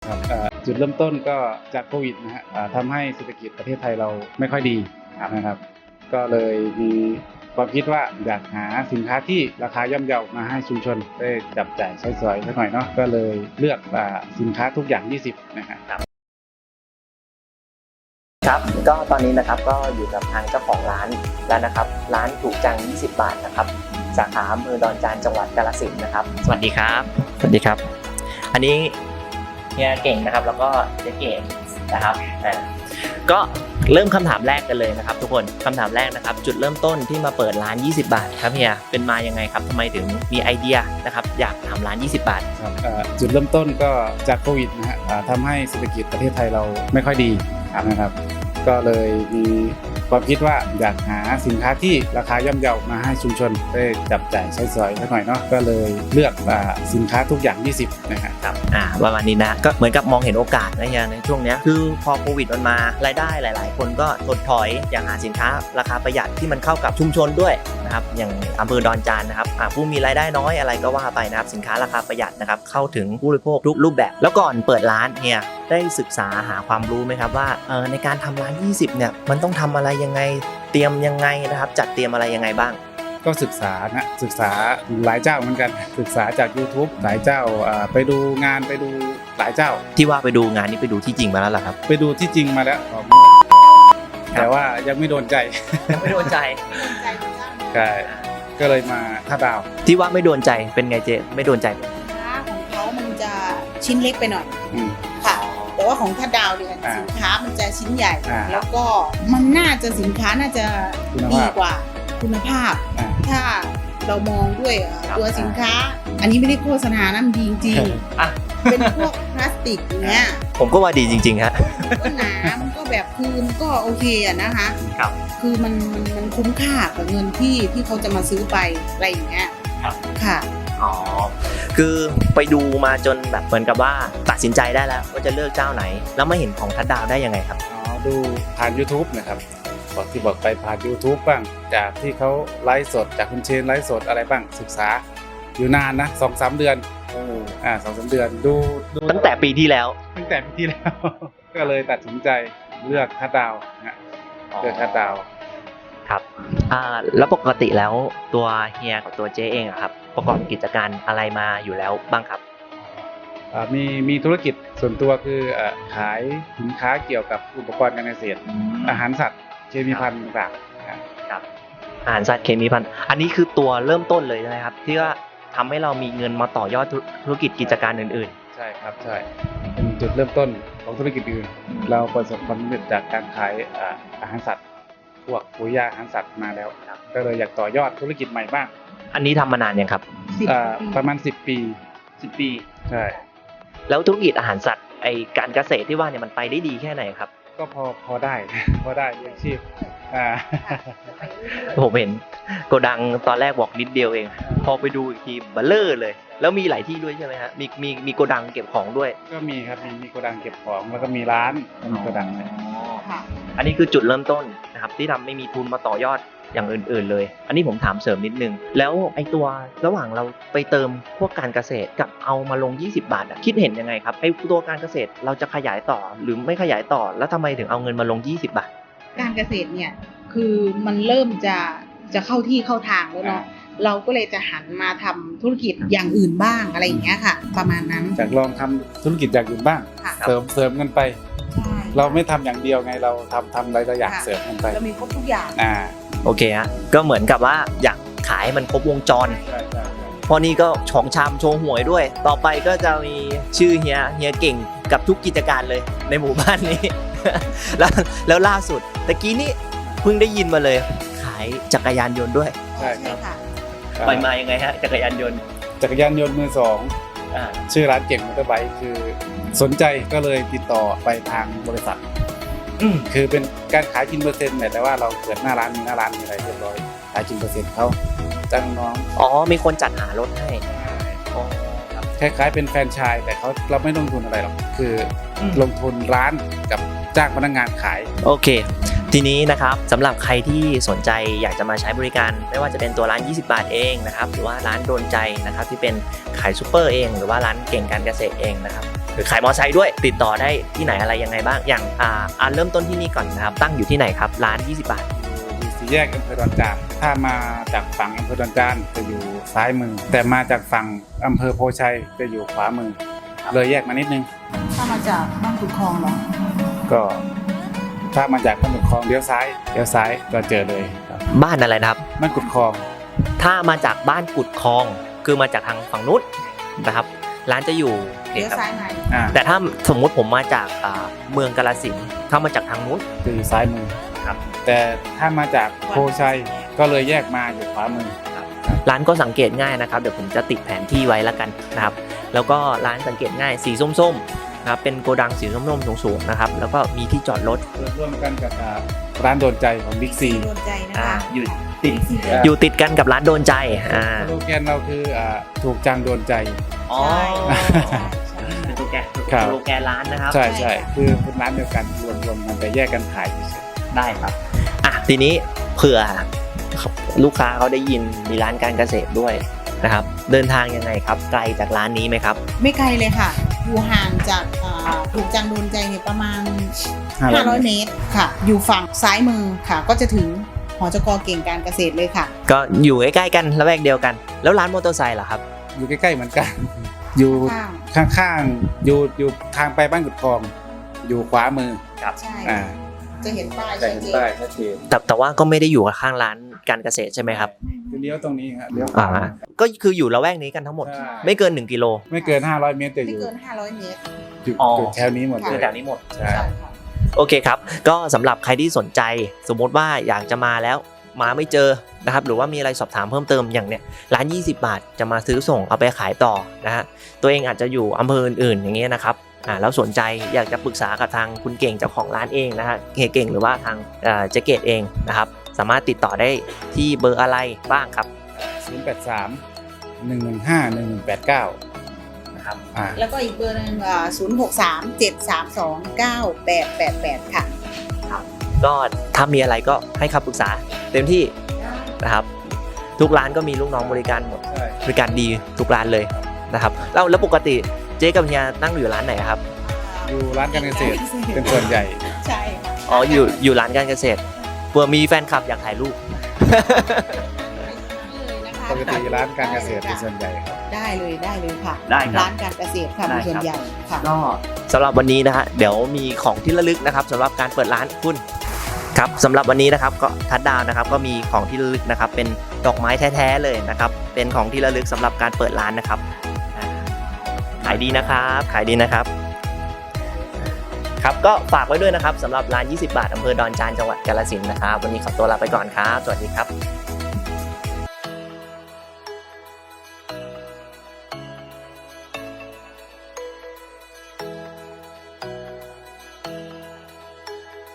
ครับจุดเริ่มต้นก็จากโควิดนะฮะทำให้เศรษฐกิจประเทศไทยเราไม่ค่อยดีนะครับก็เลยมีความคิดว่าอยากหาสินค้าที่ราคาย่อมเยามาให้ชุมชนได้จับจ่ายใช้สอยสักหน่อยเนาะก็เลยเลือกสินค้าทุกอย่าง20นะฮะครับก็ตอนนี้นะครับก็อยู่กับทางเจ้าของร้านแล้วนะครับร้านถูกจัง20 บาทนะครับสาขาอำเภอดอนจานจังหวัดกาฬสินธุ์นะครับสวัสดีครับสวัสดีครับอันนี้เฮียเก่งนะครับแล้วก็เจ๊เก๋นะครับก็เริ่มคำถามแรกกันเลยนะครับทุกคนคำถามแรกนะครับจุดเริ่มต้นที่มาเปิดร้าน20 บาทครับเฮียเป็นมายังไงครับทำไมถึงมีไอเดียนะครับอยากทำร้าน20 บาทครับจุดเริ่มต้นก็จากโควิดนะฮะทำให้เศรษฐกิจประเทศไทยเราไม่ค่อยดีนะครับก็เลยมีความคิดว่าอยากหาสินค้าที่ราคาย่อมเยามาให้ชุมชนได้จับจ่ายใช้สอยสักหน่อยเนาะก็เลยเลือกสินค้าทุกอย่าง20นะครับประมาณนี้นะก็เหมือนกับมองเห็นโอกาสนะอย่างในช่วงนี้คือพอโควิดมันมารายได้หลายๆคนก็ถดถอยอยากหาสินค้าราคาประหยัดที่มันเข้ากับชุมชนด้วยนะครับอย่างอำเภอดอนจานนะครับผู้มีรายได้น้อยอะไรก็ว่าไปนะครับสินค้าราคาประหยัดนะครับเข้าถึงผู้บริโภคทุกรูปแบบแล้วก่อนเปิดร้านเนี่ยได้ศึกษาหาความรู้ไหมครับว่าในการทำร้าน20เนี่ยมันต้องทำอะไรยังไงเตรียมยังไงนะครับจัดเตรียมอะไรยังไงบ้างก็ศึกษาหลายเจ้าเหมือนกันศึกษาจาก YouTube หลายเจ้าไปดูงานไปดูหลายเจ้าที่ว่าไปดูงานนี้ไปดูที่จริงมาแล้วเหรอครับไปดูที่จริงมาแล้วแต่ว่ายังไม่โดนใจไม่โดนใจใช่ก็เลยมาท่าดาวที่ว่าไม่โดนใจเป็นไงเจ๊ไม่โดนใจค้าของเขามันจะชิ้นเล็กไปหน่อยค่ะแต่ว่าของท่าดาวเนี่ยสินค้ามันจะชิ้นใหญ่แล้วก็มันน่าจะสินค้าน่าจะดีกว่าคุณภาพถ้าเรามองด้วยตัวสินค้าอันนี้ไม่ได้โฆษณานะมันดีจริงๆเป็นพวกพลาสติกอย่างเงี้ยผมก็ว่าดีจริงๆฮะก็หนามันก็แบบคือมันก็โอเคอะนะคะครับคือมันคุ้มค่ากับเงินที่เขาจะมาซื้อไปอะไรอย่างเงี้ยค่ะอ๋อคือไปดูมาจนแบบเหมือนกับว่าตัดสินใจได้แล้วว่าจะเลือกเจ้าไหนแล้วมาเห็นของทัดดาวได้ยังไงครับดูผ่าน YouTube นะครับบอกไปผ่าน YouTube บ้างจากที่เขาไลฟ์สดจากคุณเชนไลฟ์สดอะไรบ้างศึกษาอยู่นานนะ 2-3 เดือน2-3 เดือนดูตั้งแต่ปีที่แล้วก็เลยตัดสินใจเลือกทัดดาวนะเลือกทัดดาวครับแล้วปกติแล้วตัวเฮียกับตัวเจ๊เองครับประกอบกิจการอะไรมาอยู่แล้วบ้างครับมีธุรกิจส่วนตัวคือขายสินค้าเกี่ยวกับอุปกรณ์การเกษตรอาหารสัตว์เคมีภัณฑ์ต่างๆครับอาหารสัตว์เคมีภัณฑ์อันนี้คือตัวเริ่มต้นเลยใช่ไหมครับที่ว่าทำให้เรามีเงินมาต่อยอดธุรกิจกิจการอื่นๆใช่ครับใช่เป็นจุดเริ่มต้นของธุรกิจอื่นเราประสบความสำเร็จจากการขายอาหารสัตว์พวกปุ๋ยยาอาหารสัตว์มาแล้วก็เลยอยากต่อยอดธุรกิจใหม่บ้างอันนี้ทำมานานยังครับประมาณ10 ปีใช่แล้วธุรกิจอาหารสัตว์ไอการเกษตรที่ว่าเนี่ยมันไปได้ดีแค่ไหนครับก็พอได้เลี้ยงชีพผมเห็นโกดังตอนแรกบอกนิดเดียวเองพอไปดูอีกทีเบลเลอร์เลยแล้วมีหลายที่ด้วยใช่ไหมฮะมีโกดังเก็บของด้วยก็มีครับมีโกดังเก็บของแล้วก็มีร้านมีโกดังเลยอันนี้คือจุดเริ่มต้นนะครับที่ทำไม่มีทุนมาต่อยอดอย่างอื่นๆเลยอันนี้ผมถามเสริมนิดนึงแล้วไอ้ตัวระหว่างเราไปเติมพวกการเกษตรกับเอามาลง20 บาทคิดเห็นยังไงครับไอ้ตัวการเกษตรเราจะขยายต่อหรือไม่ขยายต่อแล้วทำไมถึงเอาเงินมาลง20 บาทการเกษตรเนี่ยคือมันเริ่มจะเข้าที่เข้าทางแล้วเนาะเราก็เลยจะหันมาทำธุรกิจอย่างอื่นบ้างอะไรอย่างเงี้ยค่ะประมาณนั้นจากลองทำธุรกิจอย่างอื่นบ้างเสริมกันไปเราไม่ทำอย่างเดียวไงเราทำหลายอย่างเสริมกันไปเรามีครบทุกอย่างโอเคฮะก็เหมือนกับว่าอยากขายมันครบวงจรเพราะนี่ก็ของชามโชว์หวยด้วยต่อไปก็จะมีชื่อเฮียเก่งกับทุกกิจการเลยในหมู่บ้านนี้ แล้วล่าสุดตะกี้นี้เพิ่งได้ยินมาเลยขายจักรยานยนต์ด้วยใช่ครับไปมายังไงฮะจักรยานยนต์มือสองชื่อร้านเก่งมอเตอร์ไบค์คือสนใจก็เลยติดต่อไปทางบริษัทคือเป็นการขายกินเปอร์เซ็นต์แต่ว่าเราเปิดหน้าร้านมีอะไรเรียบร้อยขายกินเปอร์เซ็นต์เขาจ้างน้องมีคนจัดหารถให้คล้ายๆเป็นแฟรนไชส์แต่เราไม่ลงทุนอะไรหรอกคือลงทุนร้านกับจ้างพนักงานขายโอเคทีนี้นะครับสำหรับใครที่สนใจอยากจะมาใช้บริการไม่ว่าจะเป็นตัวร้าน20 บาทเองนะครับหรือว่าร้านโดนใจนะครับที่เป็นขายซุปเปอร์เองหรือว่าร้านเก่งการเกษตรเองนะครับคือขายมอไซค์ด้วยติดต่อได้ที่ไหนอะไรยังไงบ้างอย่างเริ่มต้นที่นี่ก่อนนะครับตั้งอยู่ที่ไหนครับร้าน20 บาทอยู่สี่แยกอำเภอดอนจานถ้ามาจากฝั่งอำเภอดอนจานจะอยู่ซ้ายมือ แต่มาจากฝั่งอำเภอโพชัยจะอยู่ขวามือ เลยแยกมานิดนึงถ้ามาจากบ้านขุดคลองเหรอก็ถ้ามาจากบ้านกุดคลองเลี้ยวซ้ายก็เจอเลยครับบ้านอะไรนะครับบ้านกุดคลองถ้ามาจากบ้านกุดคลองคือมาจากทางฝั่งนู้นนะครับร้านจะอยู่เลี้ยวซ้ายในแต่ถ้าสมมุติผมมาจากเมืองกาฬสินธุ์ถ้ามาจากทางนู้นจะอยู่ซ้ายมือครับแต่ถ้ามาจากโพชัยก็เลยแยกมาอยู่ขวามือร้านก็สังเกตง่ายนะครับเดี๋ยวผมจะติดแผนที่ไว้แล้วกันนะครับแล้วก็ร้านสังเกตง่ายสีส้มๆนะครับเป็นโกดังสีส้มๆสูงๆนะครับแล้วก็มีที่จอดรถเปิดร่วมกันกับร้านโดนใจของบิ๊กซีโดนใจนะคะอยู่ติดกันกับร้านโดนใจสโลแกนเราคือถูกจังโดนใจอ๋อใช่เป็นตัวแกนครับสโลแกนร้านนะครับใช่คือเป็นร้านเดียวกันรวมกันแต่แยกกันขายเฉยได้ครับทีนี้เผื่อลูกค้าเขาได้ยินมีร้านการเกษตรด้วยนะครับเดินทางยังไงครับไกลจากร้านนี้ไหมครับไม่ไกลเลยค่ะ อยู่ห่างจากถูกจังโดนใจเนี่ยประมาณ 500 เมตรค่ะ อยู่ฝั่งซ้ายมือค่ะ ก็จะถึงหจก.เก่งการเกษตรเลยค่ะก็อยู่ใกล้ๆกันละแวกเดียวกัน แล้วร้านมอเตอร์ไซค์ล่ะครับอยู่ใกล้ๆเหมือนกัน อยู่ข้างๆอยู่ทางไปบ้านกุดคลอง อยู่ขวามือใช่จะเห็นป้ายแต่ชัดเห็นเจนป้ายชัดเจนแต่ว่าก็ไม่ได้อยู่ข้างร้านการเกษตรใช่ไหมครับคือเลี้ยวตรงนี้ครับเลี้ยวขวาก็คืออยู่ละแวกนี้กันทั้งหมดใช่ไม่เกิน1 กิโลไม่เกิน500 เมตรจะอไม่ยู่เกิน 500 เมตรอยู่แถวนี้หมดเลคือย แถวนี้หมดใช่ใช่ค่ะโอเคครับก็สำหรับใครที่สนใจสมมติว่าอยากจะมาแล้วมาไม่เจอนะครับหรือว่ามีอะไรสอบถามเพิ่มเติมอย่างเนี้ยร้าน20 บาทจะมาซื้อส่งเอาไปขายต่อนะฮะตัวเองอาจจะอยู่อำเภออื่นๆอย่างเงี้ยนะครับแล้วสนใจอยากจะปรึกษากับทางคุณเก่งเจ้าของร้านเองนะฮะเก่งหรือว่าทางเจ๊เกตเองนะครับสามารถติดต่อได้ที่เบอร์อะไรบ้างครับ 083-115-1189 นะครับแล้วก็อีกเบอร์หนึง063-732-9888 ค่ะก็ถ้ามีอะไรก็ให้คำปรึกษาเต็มที่นะครับทุกร้านก็มีลูกน้องบริการหมดใช่บริการดีทุกร้านเลยนะครับแล้วปกติเจ๊กับเฮียนั่งอยู่ร้านไหนครับอยู่ร้านการเกษตรเป็นส่วนใหญ่ใช่อ๋ออยู่ร้านการเกษตรเผื่อมีแฟนคลับอยากถ่ายรูปปกติร้านการเกษตรเป็นส่วนใหญ่ครับได้เลยค่ะได้ครับร้านการเกษตรค่ะได้เป็นครับส่วนใหญ่ค่ะก็สำหรับวันนี้นะฮะเดี๋ยวมีของที่ระลึกนะครับสำหรับการเปิดร้านคุณครับสำหรับวันนี้นะครับก็ทัดดาวนะครับก็มีของที่ระลึกนะครับเป็นดอกไม้แท้ๆเลยนะครับเป็นของที่ระลึกสำหรับการเปิดร้านนะครับขายดีนะครับขายดีนะครับครับก็ฝากไว้ด้วยนะครับสำหรับร้าน20 บาทอำเภอดอนจานจังหวัดกาฬสินธุ์นะครับวันนี้ขอตัวลาไปก่อนครับสวัสดีครับ